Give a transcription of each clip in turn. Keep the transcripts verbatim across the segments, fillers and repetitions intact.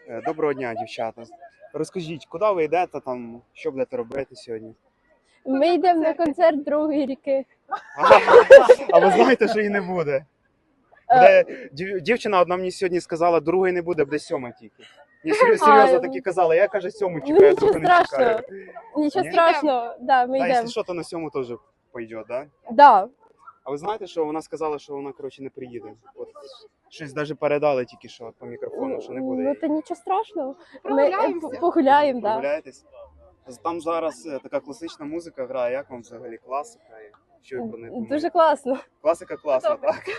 Е, Доброго дня, дівчата. Розкажіть, куди ви йдете там, що будете робити сьогодні? Ми йдемо на концерт другої ріки. А ви знаєте, що її не буде? Буде дів- дівчина одна мені сьогодні сказала, другої не буде, буде сьома тільки. Ні, сер- серйозно А, таки казала, я каже сьому Ну чекаю, нічого другу не чекаю. страшного. Нічого Ні? страшного. Да, ми Та, йдемо. якщо що, то на сьому теж пойде, да? Да. А ви знаєте, що вона сказала, що вона, коротше, не приїде? От, щось навіть передали тільки що по мікрофону, що не буде. Ну її. то нічого страшного. Ми Прогуляємося. е, погуляємо, да. Прогуляєтесь? Там зараз е, така класична музика грає, як вам взагалі класика? І що ви про неї думаєте? Дуже класно. Класика класна, Добре. так?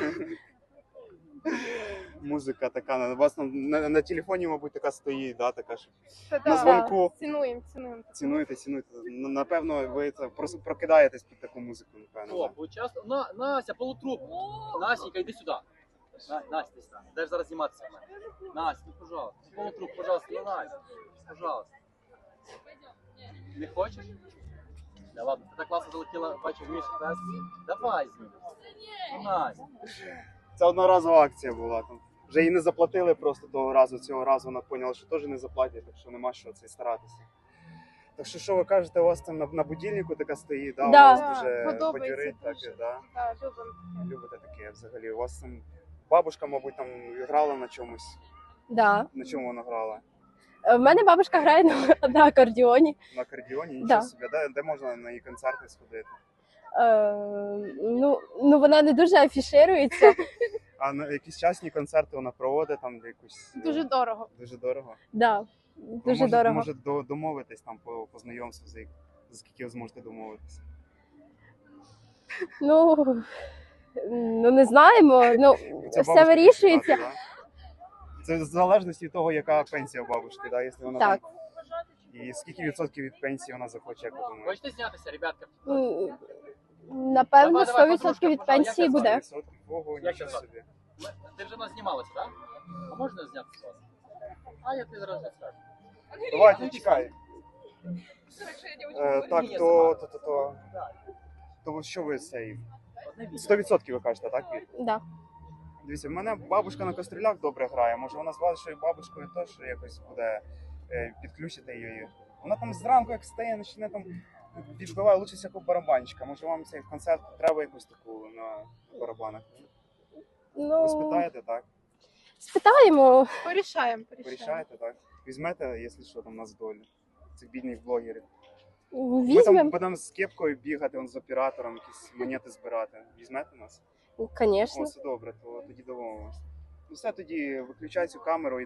Музика така, у вас там на, на телефоні, мабуть, така стоїть, да, така ж. Та На да. дзвонку. Цінуємо, цінуємо. Цінуєте, цінуєте. Н- Напевно, ви це просто прокидаєтесь під таку музику, напевно. О, Да? поучаствуй. На, Настя, полутруп. Настенька, иди сюда. На, Настя, иди сюда. Дай зараз зніматися. в мене. Настя, ну пожалуйста. Полутруп, пожалуйста, ну Настя. Пожалуйста. Не хочеш? Да ладно, ти так класно залетіла, бачив Міша тест. Давай знімемося. Ну Настя. Це одноразова акція була. Там. Вже її не заплатили просто того разу, цього разу вона поняла, що теж не заплатять, так що нема що це старатися. Так що, що ви кажете, у вас там на, на будильнику така стоїть, да? Да. У вас Да, дуже подобається бадьорить, так, дуже. да? Так, любимо. Любите таке взагалі. У вас там бабушка, мабуть, там грала на чомусь. Да. На чому вона грала? Е, В мене бабушка грає на, на акордіоні. На акордіоні? Нічого Да. собі. Де, де можна на її концерти сходити? Е, ну, ну вона не дуже афіширується. А на якісь частні концерти вона проводить там де якусь. е, Дуже дорого. Дуже дорого. Да. Ви Дуже може, дорого. Може до- домовитись там по, по знайомству, за, як- за скільки ви зможете домовитися. Ну, ну не знаємо. Ну, Це все бабушка вирішується. так, да? Це в залежності від того, яка пенсія у бабушки, да? Якщо вона Так. там. І скільки відсотків від пенсії вона захоче, як ви думаєте? Хочете знятися, ребятка? М, Напевно, Давай, сто давай, відсотків від подружка, пенсії пожалуйста. буде. сто відсотків? Ого, Як нічого це собі. Ми- Ти вже нас знімалася, так? А можна знятися з вас? А я тобі зараз не скажу. Давайте, чекай. Е, так, то, то, то, то. То що ви цей? Одне відео. сто відсотків ви кажете, так? Вір? Да. Дивіться, в мене бабушка на кастрюлях добре грає. Може вона з вашою бабушкою теж якось буде е, підключити її. Вона там зранку, як стає, почне там відбиває лучше всякого барабанщика. Може вам цей концерт треба якусь таку на барабанах? Ви Ну, спитаєте, так? спитаємо. Порішаємо, порішаємо. Порішаєте, так? Візьмете, якщо що, там на здолі. Цих бідних блогерів. Ми там Візьмемо. будемо з кепкою бігати, он з оператором, якісь монети збирати. Візьмете нас? Звісно. О, все добре, то тоді домовимося. Ну все, тоді виключай цю камеру.